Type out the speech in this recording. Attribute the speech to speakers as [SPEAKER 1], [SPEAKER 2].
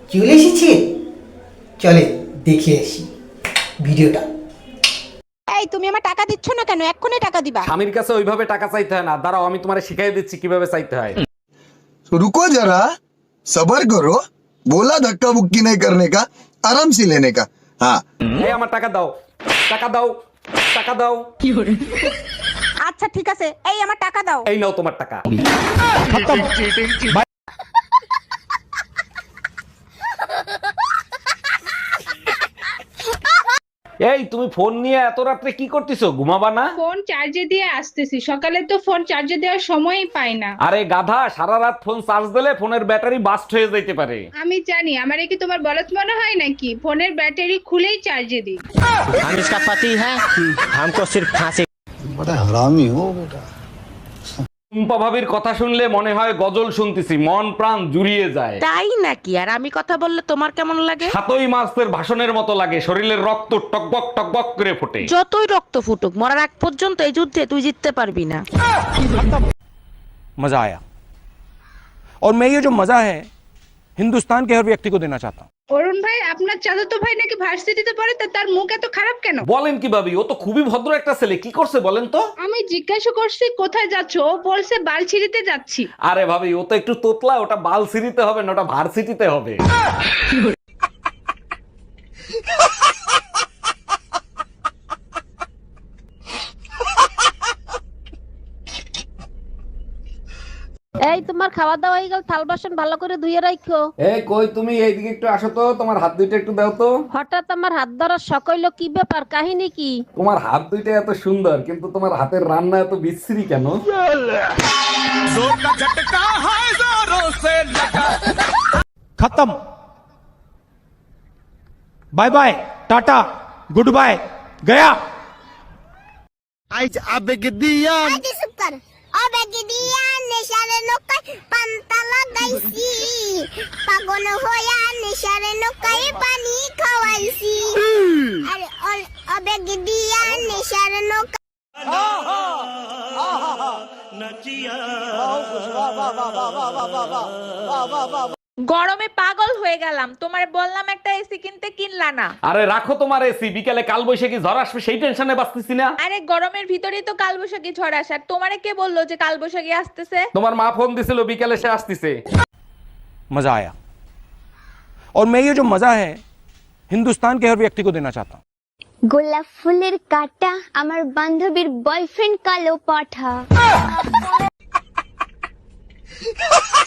[SPEAKER 1] চলে এসেছে, চলে দেখে আসি ভিডিওটা।
[SPEAKER 2] এই তুমি আমার টাকা দিচ্ছ না কেন? এক্ষুনি টাকা দিবা।
[SPEAKER 3] স্বামীর কাছে ওইভাবে টাকা চাইতে হয় না, দাঁড়াও আমি তোমারে শিখাই দিচ্ছি কিভাবে চাইতে হয়।
[SPEAKER 4] रुको जरा, सबर करो। बोला धक्का बुक्की नहीं करने का, आराम से लेने का। हाँ,
[SPEAKER 3] এই আমার টাকা দাও, টাকা দাও, টাকা দাও।
[SPEAKER 2] আচ্ছা ঠিক আছে, এই আমার টাকা দাও।
[SPEAKER 3] এই নাও তোমার টাকা। এই তুমি ফোন নিয়ে এত রাত্রে কি করতেছো? ঘুমাবা না?
[SPEAKER 5] ফোন চার্জে দিয়ে আসতেছি, সকালে তো ফোন চার্জে দেওয়ার সময়ই পাই না।
[SPEAKER 3] আরে গাধা, সারা রাত ফোন চার্জ দিলে ফোনের ব্যাটারি বাস্ট হয়ে যেতে পারে।
[SPEAKER 5] আমি জানি, আমারে কি তোমার বলদ মনে হয় নাকি? ফোনের ব্যাটারি খুলেই চার্জে দিই।
[SPEAKER 6] हम इसका पति है, हमको सिर्फ फांसी।
[SPEAKER 4] बड़ा हरामी हो बेटा।
[SPEAKER 3] টুম্পা ভাবির কথা শুনলে মনে হয় গজল শুনতেছি, মন প্রাণ জুড়িয়ে যায়।
[SPEAKER 2] তাই নাকি? আর আমি কথা বললে তোমার কেমন লাগে?
[SPEAKER 3] সাতই মাসের ভাষণের মতো লাগে, শরীরের রক্ত টকবক টকবক করে ফোটে।
[SPEAKER 2] যতই রক্ত ফুটুক, মরার আগ পর্যন্ত এই যুদ্ধে তুই জিততে পারবি না।
[SPEAKER 7] मजा आया और मैं ये जो मजा है हिंदुस्तान के हर व्यक्ति को देना चाहता हूँ।
[SPEAKER 5] অরুণ ভাই, আপনার চাচাতো ভাই নাকি ভার্সিটিতে পড়ে, তা তার মুখ এত খারাপ কেন?
[SPEAKER 3] বলেন কি ভাবি, ও তো খুবই ভদ্র একটা ছেলে, কি করছে বলেন তো?
[SPEAKER 5] আমি জিজ্ঞাসা করছি কোথায় যাচ্ছ, ও বলছে বালছিড়িতে যাচ্ছি।
[SPEAKER 3] আরে ভাবি, ও তো একটু তোতলা, ওটা বালসিটিতে হবে না, ওটা ভার্সিটিতে হবে।
[SPEAKER 8] এই তোমার খাওয়া দাওয়া হয়ে গেল, থাল বাসন ভালো করে ধুয়ে রাখো।
[SPEAKER 3] এই কই তুমি, এইদিকে একটু আসো তো, তোমার হাত দুইটা একটু দাও তো।
[SPEAKER 8] হঠাৎ আমার হাত ধরার শখ হইলো, কি ব্যাপার, কাহিনী কি?
[SPEAKER 3] তোমার হাত দুইটা এত সুন্দর, কিন্তু তোমার হাতের রান্না এত বিশ্রী কেন?
[SPEAKER 7] खत्म, bye bye, tata, good bye, गया।
[SPEAKER 9] পাগল হইয়া নেশারে নৌকায় পানি খাওয়াইছি, আরে অবেগ দিয়া নেশার নৌকা।
[SPEAKER 2] গরমে পাগল হয়ে গেলাম, তোমারে বললাম একটা এসি কিনতে, কিনলা না।
[SPEAKER 3] আরে রাখো তোমার এসি, বিকালে কাল বৈশাখী ঝড় আসবে সেই টেনশনে বাঁচতেছি না।
[SPEAKER 2] আরে গরমের ভিতরেই তো কালবৈশাখী ঝড় আসার, তোমারে কে বললো যে কালবৈশাখী আসতেছে?
[SPEAKER 3] তোমার মা ফোন দিছিল, বিকালে সে আসতেছে।
[SPEAKER 7] मजा आया और मैं ये जो मजा है हिंदुस्तान के हर व्यक्ति को देना चाहता हूँ।
[SPEAKER 9] গোলাপ ফুলের কাটা আমার বান্ধবীর বয়ফ্রেন্ড কালো পাঠা।